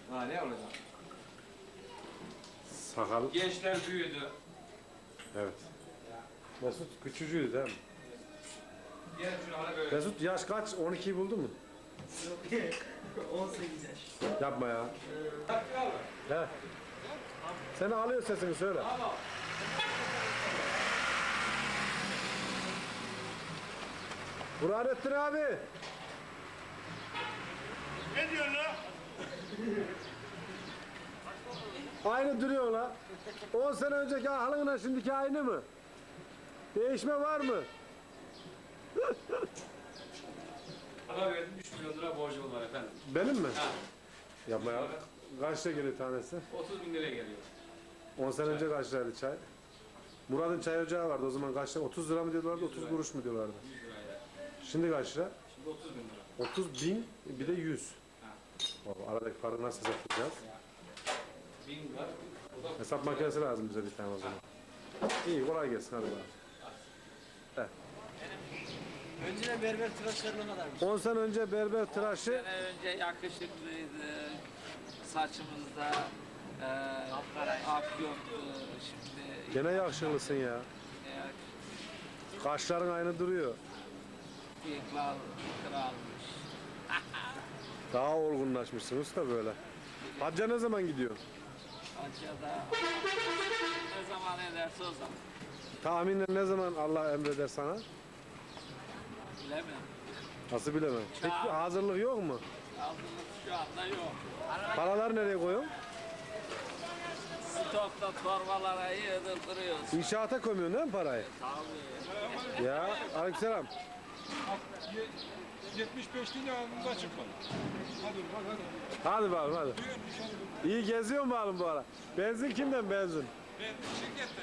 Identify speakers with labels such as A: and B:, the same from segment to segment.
A: Ha ne olacak?
B: Sakal.
A: Gençler büyüdü.
B: Evet. Mesut küçücüğüydü değil mi?
A: Diğer şuna böyle.
B: Mesut yaş kaç? 12'yi buldu mu?
C: Yok 18 yaş.
B: Yapma ya.
A: Taktik al mı?
B: He. Seni alıyor sesini söyle.
A: Tamam.
B: Burhanettin abi.
D: Ne diyorsun lan?
B: Aynı duruyor la. 10 sene önceki halınla şimdiki aynı mı? Değişme var mı?
A: Para verdim 3 milyon lira borcum var efendim.
B: Benim mi?
A: Ha.
B: Yapma ya. Kaçta geliyor tanesi?
A: 30 bin liraya geliyor.
B: 10 sene önce kaç liraydı çay? Murat'ın çay ocağı vardı o zaman kaç lira? 30 lira mı diyorlardı, 30 kuruş mu diyorlardı?
A: 100 liraya.
B: Şimdi kaç lira?
A: Şimdi 30 bin lira.
B: 30 bin bir de 100.
A: Ha.
B: Vallahi aradaki farkı nasıl hesaplayacağız?
A: 1000 var. O da
B: Hesap makinesi lazım bize bir tane o zaman. İyi kolay gelsin hadi bakalım.
C: Önceden berber tıraşları ne kadarmış?
B: 10 sene önce berber tıraşı
E: sene önce yakışıklıydı. Saçımızda ak yoktu. Şimdi
B: gene yakışıklısın ya. Kaşların aynı duruyor.
E: bıyıklar kralmış.
B: Daha olgunlaşmışsın usta böyle. Hacca ne zaman gidiyorsun?
E: Hacı'da ne zaman ederse o zaman.
B: Tahminen ne zaman Allah emreder sana?
E: Bilemem.
B: Nasıl bilemem. Peki hazırlık yok mu?
E: Hazırlık şu anda yok.
B: Paralar nereye koyuyorsun?
E: Stokta torbalara yığdırtırıyoruz.
B: İnşaata koymuyorsun değil mi parayı?
E: Tabii.
B: Ya aleykümselam.
D: 75'liğine ağzımıza çıkmadı. Hadi bak hadi.
B: Hadi bakalım hadi. İyi geziyor mu bakalım bu ara? Benzin kimden benzin?
D: Ben şirketten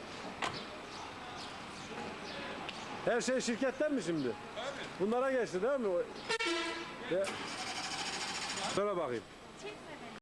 D: ya.
B: Her şey şirketten mi şimdi?
D: Abi.
B: Bunlara geçti değil mi? Ya. Söyle bakayım.
F: Çekme beni.